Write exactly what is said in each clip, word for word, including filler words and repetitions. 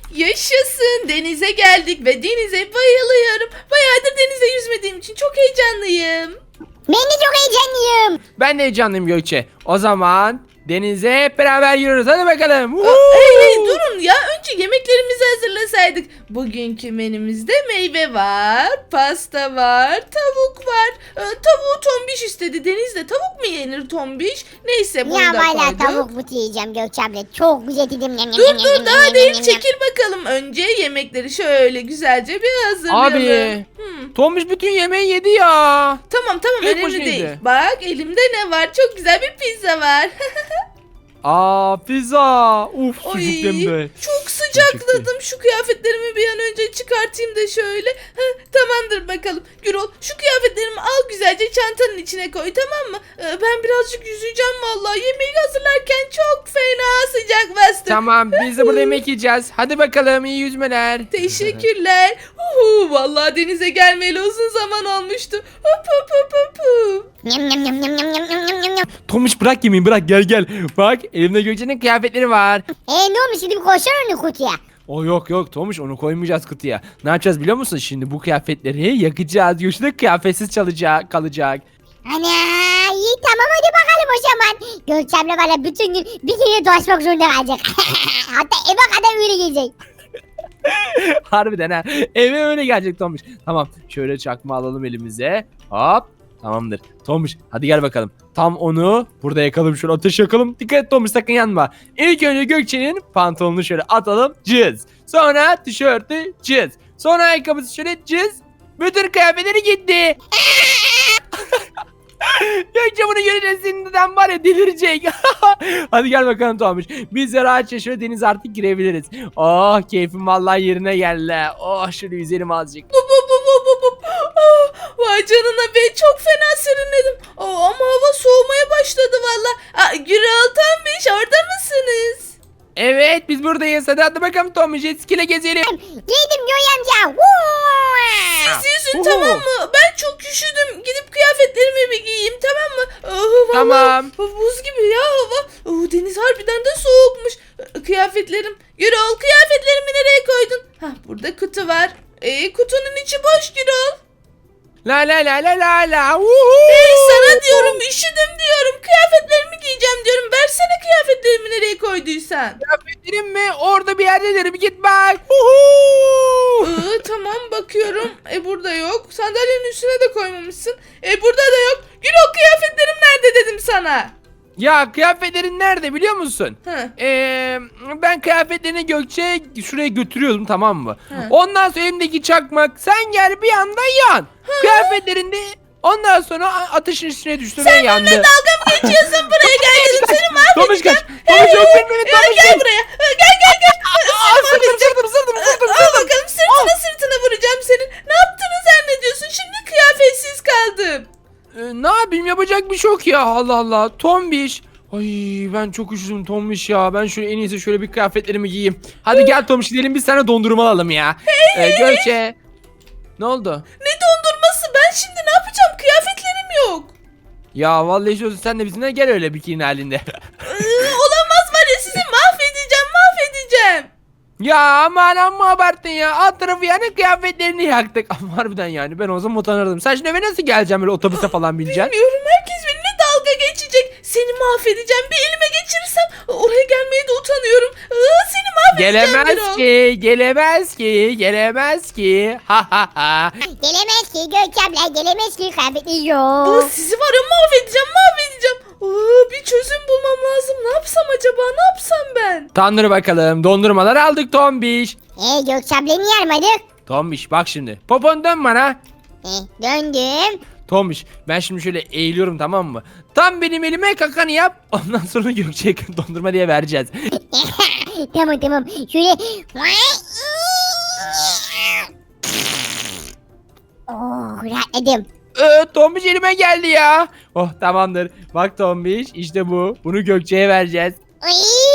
Yaşasın, denize geldik ve denize bayılıyorum. Bayağıdır denizde yüzmediğim için çok heyecanlıyım. Ben de çok heyecanlıyım. Ben de heyecanlıyım Gökçe. O zaman denize hep beraber yürüyoruz. Hadi bakalım. Aa, hey hey durun ya, önce yemeklerimizi hazırlasaydık. Bugünkü menümüzde meyve var, pasta var, tavuk var. Ee, tavuğu Tombiş istedi. Denizde tavuk mu yenir Tombiş? Neyse bunu Ya da valla koyduk. tavuk butu yiyeceğim Gökçe abla. Çok güzel dedim. Dur dur daha değil, çekil bakalım. Önce yemekleri şöyle güzelce bir hazırlayalım. Abi. Hmm. Tombiş bütün yemeği yedi ya. Tamam tamam, Tek önemli başına değil. yedi. Bak elimde ne var? Çok güzel bir pizza var. Aa pizza. Uf Ay, sucuklu de. çok sıcakladım. Şu kıyafetlerimi bir an önce çıkartayım da şöyle. Heh, tamamdır bakalım. Gürol, şu kıyafetlerimi al güzelce çantanın içine koy, tamam mı? Ee, ben birazcık yüzeceğim vallahi. Yemeği hazırlarken çok fena sıcak bastı. Tamam biz de burada yemek yiyeceğiz. Hadi bakalım iyi yüzmeler. Teşekkürler. Uhu, vallahi denize gelmeyeli uzun zaman olmuştu. Hop hop hop hop hop. Nyam nyam nyam nyam nyam nyam nyam nyam nyam. Tomuş bırak yemeği bırak gel gel. Bak elimde Gökçe'nin kıyafetleri var. E ne olmuş şimdi bir koşar onu kutuya. O yok yok Tomuş onu koymayacağız kutuya. Ne yapacağız biliyor musun? Şimdi bu kıyafetleri yakacağız. Gökçe de kıyafetsiz çalacak, kalacak. Ana iyi tamam hadi bakalım o zaman. Gökçe abla valla bütün gün bir kere dolaşmak zorunda kalacak. Hatta eve kadar öyle gelecek. Harbiden ha. Eve öyle gelecek Tomuş. Tamam şöyle çakma alalım elimize. Hop. Tamamdır. Tomuş hadi gel bakalım. Tam onu burada yakalım, şöyle ateş yakalım. Dikkat et Tomuş, sakın yanma. İlk önce Gökçe'nin pantolonunu şöyle atalım. Cız. Sonra tişörtü cız. Sonra ayakkabısı şöyle cız. Bütün kıyafetleri gitti. Gökçe bunu görünce sinirden var ya delirecek. Hadi gel bakalım Tomuş. Biz de rahatça şöyle denize artık girebiliriz. Oh keyfim vallahi yerine geldi. Oh şöyle yüzelim azıcık. Bu bu bu bu bu bu. Ah, vay canına be, çok fena serinledim. Aa, ama hava soğumaya başladı valla. Aa, Gürol, Tombiş, orada mısınız? Evet biz buradayız. Hadi hadi bakalım Tomuş, jet ski ile gezelim. Yedim Göğe amca. Woo! Siz yüzün, Uhu. tamam mı? Ben çok üşüdüm. Gidip kıyafetlerimi bir giyeyim, tamam mı? Ah, vallahi Tamam. buz gibi ya hava. Oh, deniz harbiden de soğukmuş. Ah, kıyafetlerim. Gürol, kıyafetlerimi nereye koydun? Hah, burada kutu var. E, kutunun içi boş Gürol. La la la la la la. Uhu. Hey, sana diyorum, üşüdüm diyorum. Kıyafetlerimi giyeceğim diyorum. Versene kıyafetlerimi nereye koyduysan. Kıyafetlerim mi? Orada bir yerdedir. Bir git bak. Uhu. Iı, tamam bakıyorum. E burada yok. Sandalyenin üstüne de koymamışsın. E burada da yok. Gürol, kıyafetlerim nerede dedim sana. Ya kıyafetlerin nerede biliyor musun? Hı. Ee, ben kıyafetlerini Gökçe şuraya götürüyordum, tamam mı? Hı. Ondan sonra elimdeki çakmak sen gel bir anda yan. Kıyafetlerinde ondan sonra a- ateşin üstüne düştü ve yandı. Dalga mı geçiyorsun? Buraya gel dedim. Seni Tomuş kaç. mahvedeceğim. Tomuş yok benim evet Ya Tomuş gel gel. buraya. Ha, Gel gel gel. Aa, sırtım sırtım sırtım sırtım Al sırtım. bakalım, sırtına sırtına vuracağım senin. Ne yaptığını zannediyorsun? Şimdi kıyafetsiz kaldım. Ee, ne yapayım, yapacak bir şey yok ya, Allah Allah. Tombiş. Ay ben çok üşüdüm Tombiş ya. Ben şöyle en iyisi şöyle bir kıyafetlerimi giyeyim. Hadi gel Tombiş gidelim biz sana dondurma alalım ya. Ee, Gökçe. Ne oldu? Ne dondurması? Ben şimdi ne yapacağım? Kıyafetlerim yok. Ya vallahi istiyorsun sen de bizimle gel öyle bikini halinde. Iı, olamaz var ya, sizi mahvedeceğim mahvedeceğim. Ya aman amma abarttın ya. Alt tarafı yani kıyafetlerini yaktık. Ama harbiden yani ben o zaman utanırdım. Sen şimdi eve nasıl geleceğim, böyle otobüse falan bineceksin? Bilmiyorum, herkes benimle dalga geçecek. Seni mahvedeceğim. Bir elime geçirirsem oraya gelmeye de utanıyorum. Iı, seni mahvedeceğim Gelemez Birol. ki, gelemez ki, gelemez ki. Ha ha ha. Gelemez ki Gökçe abla gelemez ki kıyafeti Iı, yok. sizi var ya mahvedeceğim mahvedeceğim. Iı, bir çözüm bulmam lazım. Ne yapsam acaba, ne yapsam ben? Tanrı bakalım, dondurmalar aldık Tombiş. E Gökçe abla niye yarmadık? Tombiş bak şimdi. Popon dön bana. E döndüm. Tombiş ben şimdi şöyle eğiliyorum, tamam mı? Tam benim elime kakanı yap. Ondan sonra Gökçe'ye dondurma diye vereceğiz. Tamam tamam. Şöyle. Oh rahatladım. Ee, Tombiş elime geldi ya. Oh tamamdır. Bak Tombiş işte bu. Bunu Gökçe'ye vereceğiz. Ay!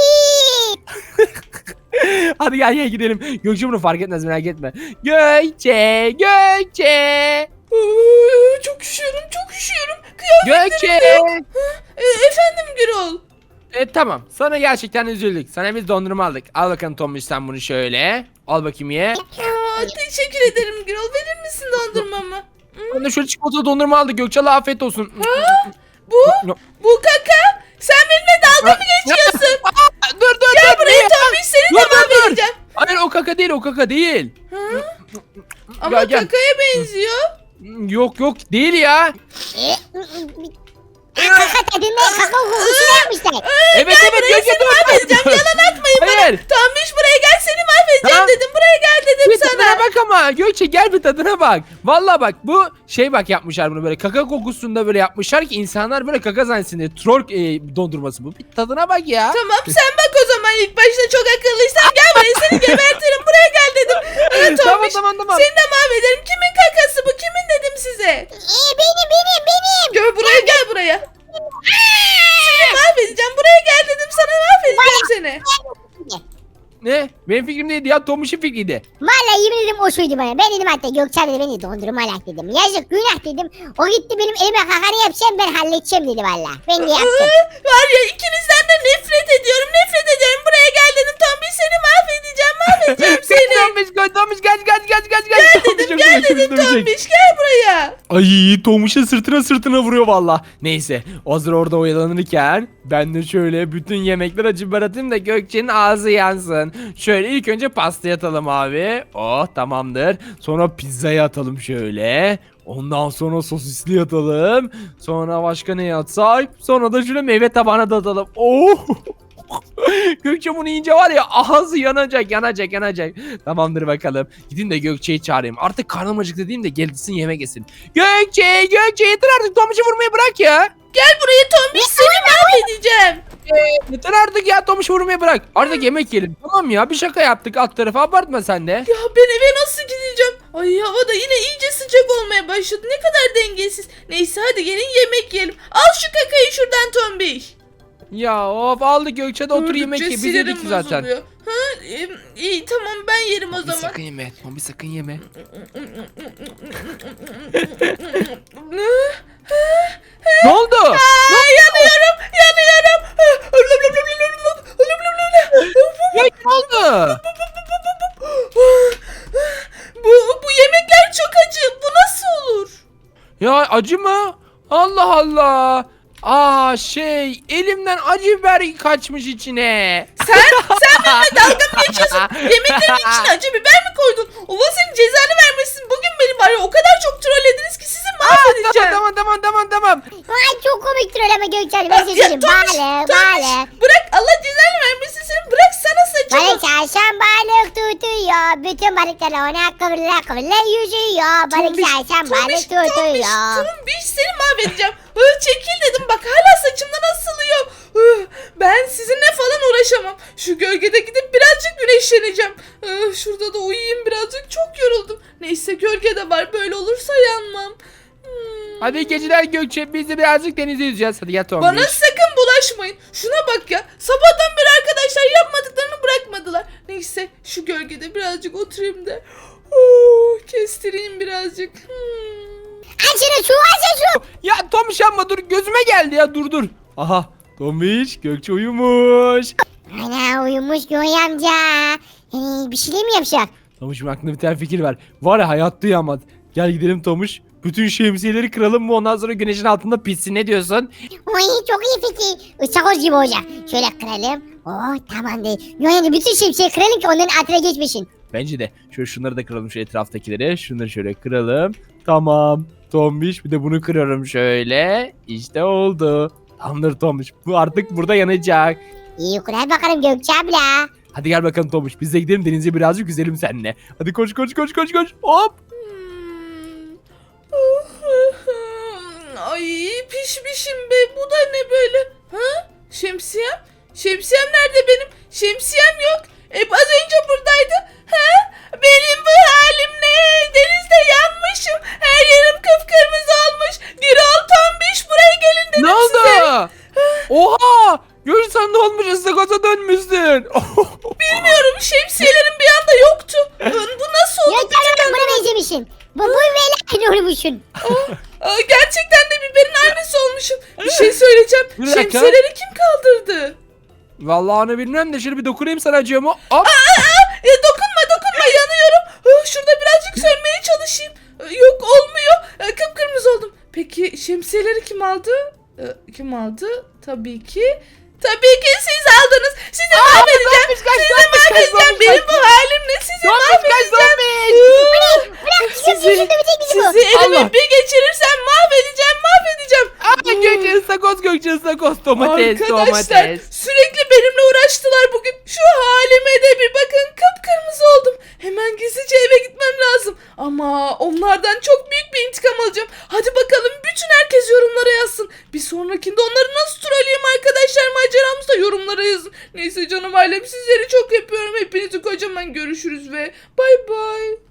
Hadi gel gel gidelim. Gökçe bunu fark etmez, merak etme. Gökçe, Gökçe. Iı, çok üşüyorum çok üşüyorum. Kıyafetlerim Gökçe. yok. E, efendim Gürol. E tamam. Sana gerçekten üzüldük. Sana biz dondurma aldık. Al bakalım Tombiş sen bunu şöyle. Al bakayım ye. Aa, teşekkür ederim Gürol. Verir misin dondurmamı? Ben de şöyle çikolatalı dondurma aldık. Gökçe'ye afiyet olsun. Bu, bu kaka. Sen benimle dalga mı geçiyorsun? Aa, dur dur Gel dur. buraya ne? Tombiş, seni Dur, de dur, dur. mahvedeceğim. Hayır o kaka değil o kaka değil. Ama Gel, gel. kakaya benziyor. Yok yok değil ya. Kaka tadında kaka kokusunu yapmışlar. Evet evet buraya, Gökçe seni dur. mahvedeceğim. Yalan atmayın bana. Hayır. Tombiş buraya gel, seni mahvedeceğim Tamam. dedim. Buraya gel dedim Bir sana. tadına bak ama Gökçe gel bir tadına bak. Vallahi bak bu şey bak yapmışlar bunu böyle kaka kokusunda böyle yapmışlar ki insanlar böyle kaka zannetsin diye. Troll e, dondurması bu. Bir tadına bak ya. Tamam sen bak o zaman, ilk başta çok akıllıysan gel buraya, seni gebertirim. Buraya gel dedim. Evet, Tamam, Tombiş, tamam, tamam. seni de mahvederim. Kimin kakası bu? Kimin dedim size? Ee, benim benim benim. Gel buraya, gel buraya. Seni mahvedeceğim. Buraya gel dedim sana, mahvedeceğim seni. Ne? Benim fikrim değildi ya Tomuş'un fikriydi. Vallahi yemin ederim o şuydu bana. Ben dedim hatta Gökçen dedi beni dondurma alak dedim. Yazık günah dedim. O gitti benim elime kakanı yapacağım, ben halledeceğim dedi valla. Ben de yaptım. Aa, var ya, ikinizden de nefret ediyorum. Nefret ediyorum. Buraya gel dedim. Tombiş, seni mahvedeceğim. Mahvedeceğim seni. Tomuş gel Tomuş gel gel gel gel gel. Gel dedim, gel dedim Tombiş. Gel buraya. Ay Tomuş'a sırtına sırtına vuruyor valla. Neyse hazır orada oyalanırken ben de şöyle bütün yemekler acı biber atayım da Gökçe'nin ağzı yansın. Şöyle ilk önce pastayı atalım abi. Oh tamamdır. Sonra pizzayı atalım şöyle. Ondan sonra sosisli atalım. Sonra başka ne atsak? Sonra da şöyle meyve tabağına da atalım. Oh! Gökçe bunu yiyince var ya ağzı yanacak yanacak yanacak. Tamamdır bakalım. Gidin de Gökçe'yi çağırayım. Artık karnım acıktı diyeyim de gelsin yemek yesin. Gökçe Gökçe yeter artık Tomuş'u vurmayı bırak ya. Gel buraya Tombiş, seni mahvedeceğim. Yeter artık ya Tomuş'u vurmayı bırak. Artık yemek yiyelim. Tamam ya bir şaka yaptık alt tarafa abartma sen de. Ya ben eve nasıl gideceğim? Ay hava da yine iyice sıcak olmaya başladı. Ne kadar dengesiz. Neyse hadi gelin yemek yiyelim. Al şu kakayı şuradan Tombiş. Ya of aldı Gökçe de otur Gördükçe yemek ye. Biz sinirim yedik ki zaten. bozuluyor. Ha, e, iyi tamam, ben yerim o Bir zaman. sakın yeme. Tombi sakın yeme. Ne oldu? Aa, yanıyorum, yanıyorum. Ya ne oldu? Bu, bu yemekler çok acı. Bu nasıl olur? Ya acı mı? Allah Allah. Aa şey elimden acı biber kaçmış içine. Sen, sen benimle dalga mı geçiyorsun? Yemeklerin içine acı biber mi koydun? Allah senin cezanı vermesin. Bugün beni var ya o kadar çok trollediniz ki sizi mahvedeceğim. Tamam tamam tamam tamam. Ay çok komiktir öyle ama Gökçen. Ben size söyleyeyim. Tombiş, Balık Tombiş, balık. bırak, Allah cezanı vermesin seni. Bırak sana saçımı. Balık çarşan balık tutuyor. Bütün balıklar ona kıvrıla kıvrıla yüzüyor. Balık Tombiş, çarşan Tombiş, balık Tombiş, tutuyor. Tombiş, seni mahvedeceğim. Hı, çekil dedim, bak hala saçımdan asılıyor. Hı, ben sizinle falan uğraşamam. Şu gölgede gidip birazcık güneşleneceğim. Hı, şurada da uyuyayım birazcık, çok yoruldum. Neyse gölgede var, böyle olursa yanmam. Hmm. Hadi iyi geceler Gökçe. Biz de birazcık denize yüzeceğiz. Hadi gel Tombi. Bana sakın bulaşmayın. Şuna bak ya. Sabahtan beri arkadaşlar yapmadıklarını bırakmadılar. Neyse şu gölgede birazcık oturayım da. Oh, kestireyim birazcık. Hmm. Açın şu açın şu. Ya Tombiş yapma dur gözüme geldi ya dur dur. Aha Tombiş Gökçe uyumuş. Ana uyumuş Göğe amca. Yani bir şeyler mi yapacak? Tomuş'un aklında bir tane fikir var. Var ya hayatta uyamaz. Gel gidelim Tomuş. Bütün şemsiyeleri kıralım mı ondan sonra güneşin altında pişsin ne diyorsun? Oy çok iyi fikir. Istakoz gibi olacak. Şöyle kıralım. Oh tamam değil. Yani bütün şemsiyeyi kıralım ki onların altına geçmesin. Bence de. Şöyle şunları da kıralım şu etraftakileri. Şunları şöyle kıralım. Tamam. Tombiş bir de bunu kırıyorum şöyle. İşte oldu. Tamamdır Tombiş. Bu artık burada yanacak. İyi kurar bakalım Gökçe abla. Hadi gel bakalım Tombiş. Biz de gidelim denize birazcık yüzelim seninle. Hadi koş koş koş koş koş. Hop. Ay pişmişim be. Bu da ne böyle? Ha? Şemsiyem? Şemsiyem nerede benim? Şemsiyem yok. E az önce buradaydı. Ha? Benim bu halim ne? Denizde yanmışım. Her yerim kıpkırmızı olmuş. Gürol Tombiş buraya gelin dedim Ne oldu? size. Oha! Görürsen ne olmuş ıstakoza dönmüşsün. Bilmiyorum, şemsiyelerim bir anda yoktu. Bu nasıl oldu? Gökçe abla buna benzemişsin. Bu bu böyle aynı olmuşsun. Aa, gerçekten de biberin aynısı olmuşum. Bir şey söyleyeceğim. Bir dakika. Şemsiyeleri kim kaldırdı? Vallahi onu bilmem de şöyle bir dokunayım sana acıyor mu? Hop. E, dokunma dokunma yanıyorum. Ah, şurada birazcık sönmeye çalışayım. E, yok olmuyor. E, kıpkırmızı oldum. Peki şemsiyeleri kim aldı? E, kim aldı? Tabii ki. Tabii ki siz aldınız. Sizi mahvedeceğim. Sizi mahvedeceğim. Benim bu halim ne? Sizi mahvedeceğim. Bırak kızım Sizi, yüzünde bitecek bizi bu. sizi elime Allah. bir geçirirsem mahvedeceğim. Mahvedeceğim. Aa, Gökçe ıstakoz Gökçe ıstakoz domates Arkadaşlar domates. sürekli benimle uğraştılar bugün. Şu halime de bir bakın, kıpkırmızı oldum. Hemen gizlice eve gitmem lazım. Ama onlardan çok büyük bir intikam alacağım. Hadi bakalım bütün herkes yorumlara yazsın. Bir sonrakinde onları nasıl trolleyeyim arkadaşlar, maceramızda yorumlara yazın. Neyse canım ailem, sizleri çok öpüyorum. Hepinizi kocaman görüşürüz ve bay bay.